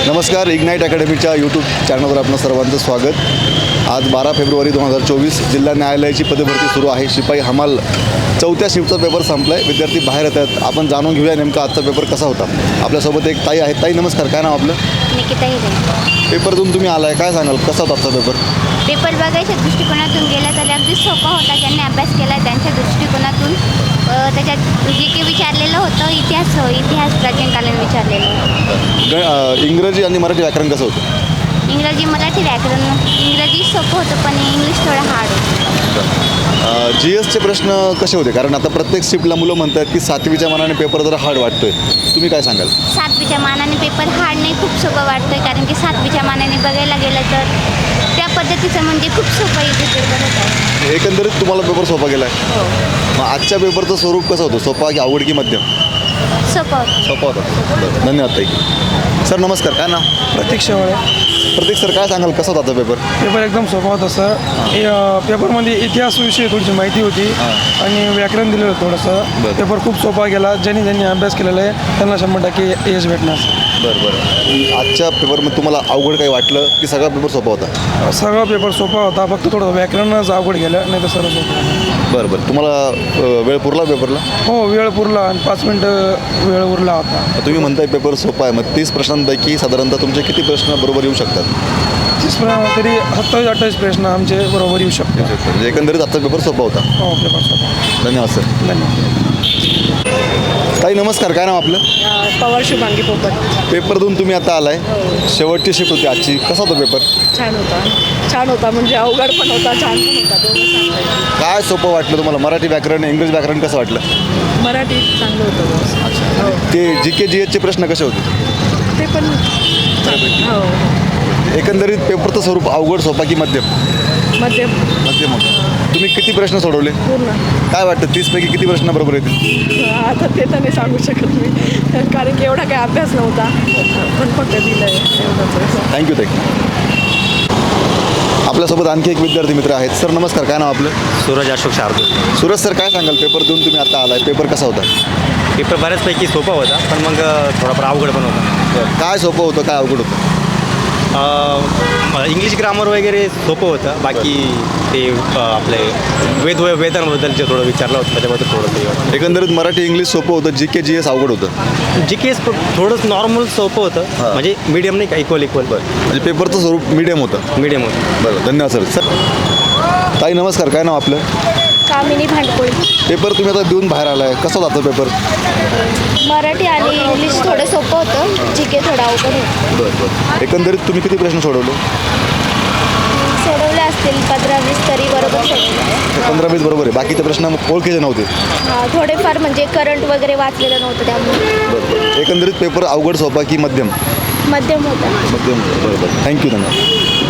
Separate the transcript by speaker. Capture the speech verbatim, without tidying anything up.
Speaker 1: नमस्कार, ignite अकॅडमीच्या YouTube चॅनलवर आपलं सर्वांचं स्वागत। आज बारा फेब्रुवारी दोन हजार चोवीस जिल्हा न्यायालयाची पदभरती सुरू आहे। शिपाई हमाल चौथ्या शिफ्टचा पेपर संपला आहे, विद्यार्थी बाहेर येत आहेत। आपण जाणून घेऊया नेमका आजचा पेपर कसा होता। आपल्यासोबत एक ताई आहे। ताई नमस्कार, काय नाव आपलं?
Speaker 2: निकिता हिरे।
Speaker 1: पेपरतून तुम्ही आलाय, काय सांगाल कसा होता आजचा पेपर?
Speaker 2: पेपर बघायच्या दृष्टिकोनातून गेला तर अगदी सोपा होता। ज्यांनी अभ्यास केला त्यांच्या दृष्टिकोनातून त्याच्यात जे काही विचारलेलं होतं इतिहास इतिहास प्राचीनकालीन विचारलेलं होतं।
Speaker 1: ग अ, इंग्रजी आणि मराठी व्याकरण कसं होतं?
Speaker 2: इंग्रजी मराठी व्याकरण इंग्रजी सोपं होतं पण इंग्लिश थोडं हार्ड होतं।
Speaker 1: जी एसचे प्रश्न कसे होते? कारण आता प्रत्येक शिफ्टला मुलं म्हणतात की सातवीच्या मानाने पेपर जरा हार्ड वाटतोय, तुम्ही काय सांगाल?
Speaker 2: सातवीच्या मानाने पेपर हार्ड नाही, खूप सोपं वाटतोय। कारण की सातवीच्या मानाने बघायला गेलं तर त्या पद्धतीचं म्हणजे खूप सोपं इथे पेपर होतं।
Speaker 1: एकंदरीत तुम्हाला पेपर सोपा गेला आहे?
Speaker 2: हो,
Speaker 1: मग आजच्या पेपरचं स्वरूप कसं होतं? सोपा की अवघड की मध्यम?
Speaker 2: सोपं होतं।
Speaker 1: सोपा होता। बरं, धन्यवाद ताई। सर नमस्कार, काय नाव?
Speaker 3: प्रतीक शेवाळे।
Speaker 1: प्रतीक सर, काय सांगाल कसा होता पेपर?
Speaker 3: पेपर एकदम सोपा होता सर। हे अ, पेपरमध्ये इतिहासविषयी थोडीशी माहिती होती आणि व्याकरण दिलेलं होतं थोडंसं।
Speaker 1: बरं.
Speaker 3: पेपर खूप सोपा गेला। ज्यांनी ज्यांनी अभ्यास केलेला आहे त्यांना शंभर टक्के यश भेटणार।
Speaker 1: बरं बरं आजच्या पेपरमध्ये तुम्हाला अवघड काही वाटलं की सगळा पेपर सोपा होता?
Speaker 3: सगळा पेपर सोपा होता, फक्त थोडं व्याकरणच अवघड गेलं, नाही तर सर्व सोपं।
Speaker 1: बरं बरं तुम्हाला अ, वेळ पुरला पेपरला?
Speaker 3: हो, वेळ पुरला आणि पाच मिनटं वेळ उरला होता।
Speaker 1: तुम्ही म्हणताय पेपर सोपा आहे, मग तीस प्रश्नांपैकी साधारणतः तुमचे किती प्रश्न बरोबर येऊ शकतात?
Speaker 3: तीस प्र- तरी सत्तावीस अठ्ठावीस प्रश्न आमचे बरोबर येऊ शकतो।
Speaker 1: म्हणजे एकंदरीत आजचा पेपर सोपा होता।
Speaker 3: हो, पेपर सोपा।
Speaker 1: धन्यवाद सर।
Speaker 3: धन्यवाद।
Speaker 1: ताई नमस्कार, काय नाव आपलं?
Speaker 4: पवार शुभांगी पोपट।
Speaker 1: पेपरतून तुम्ही आता आलाय, शेवटची शिफ्ट होती आजची, कसा होता पेपर?
Speaker 4: छान होता, छान होता म्हणजे अवघड पण होता, छान पण होता, दोन्ही सांगता येईल।
Speaker 1: काय सोपं वाटलं तुम्हाला? मराठी व्याकरण, इंग्रजी व्याकरण कसं वाटलं?
Speaker 4: मराठी चांगलं होतं बस। हो,
Speaker 1: ते जी के जी एचचे प्रश्न कसे होते?
Speaker 4: ते पण हो
Speaker 1: एकंदरीत पेपरचं स्वरूप अवघड सोपा की मध्यम?
Speaker 4: मध्यम
Speaker 1: मध्यम होतं। तुम्ही किती प्रश्न सोडवले?
Speaker 4: पूर्ण।
Speaker 1: काय वाटतं तीसपैकी किती प्रश्न बरोबर येतील?
Speaker 4: आता ते तर नाही सांगू शकत मी, कारण की एवढा काही अभ्यास नव्हता, पण फक्त दिलं आहे एवढंच।
Speaker 1: थँक्यू ताई। आपल्यासोबत आणखी एक विद्यार्थी मित्र आहेत। सर नमस्कार, काय नाव आपलं?
Speaker 5: सूरज अशोक शार्दूल।
Speaker 1: सूरज सर, काय सांगाल पेपर देऊन तुम्ही आता आलाय, पेपर कसा होता?
Speaker 5: पेपर बऱ्याचपैकी सोपा होता, पण मग थोडाफार अवघड पण होता।
Speaker 1: काय सोपं होतं, काय अवघड होतं?
Speaker 5: अ, इंग्लिश ग्रामर वगैरे सोपं होतं, बाकी ते अ, आपले वेद वेदांबद्दल जे थोडं विचारलं होतं त्याच्याबद्दल थोडं ते वाटतं।
Speaker 1: एकंदरीत मराठी इंग्लिश सोपं होतं, जी के जी एस अवघड होतं?
Speaker 5: जी केस थोडंच नॉर्मल सोपं होतं,
Speaker 1: हां.
Speaker 5: म्हणजे मीडियम नाही का, इक्वल इक्वल
Speaker 1: म्हणजे पेपरचं स्वरूप मीडियम होतं?
Speaker 5: मीडियम होतं।
Speaker 1: बरं, धन्यवाद सर। सर ताई नमस्कार, काय नाव आपलं?
Speaker 2: कामिनी भांडकोळी।
Speaker 1: पेपर तुम्ही आता देऊन बाहेर आलाय, कसा होता पेपर?
Speaker 2: मराठी आणि इंग्लिश थोडं सोपं होतं, जी के थोडं अवघड होतं।
Speaker 1: बरं बरं एकंदरीत तुम्ही किती प्रश्न सोडवले?
Speaker 2: सोडवले असतील पंधरा वीस तरी बरोबर सोडवले।
Speaker 1: पंधरा वीस बरोबर आहे, बाकीचे प्रश्न ओळखीचे नव्हते?
Speaker 2: हां, थोडेफार म्हणजे करंट वगैरे वाचलेलं नव्हतं त्यामुळे
Speaker 1: बरं बरं एकंदरीत पेपर अवघड सोपा की मध्यम?
Speaker 2: मध्यम होतं।
Speaker 1: मध्यम होतं, बरं बरं थँक्यू धन्यवाद।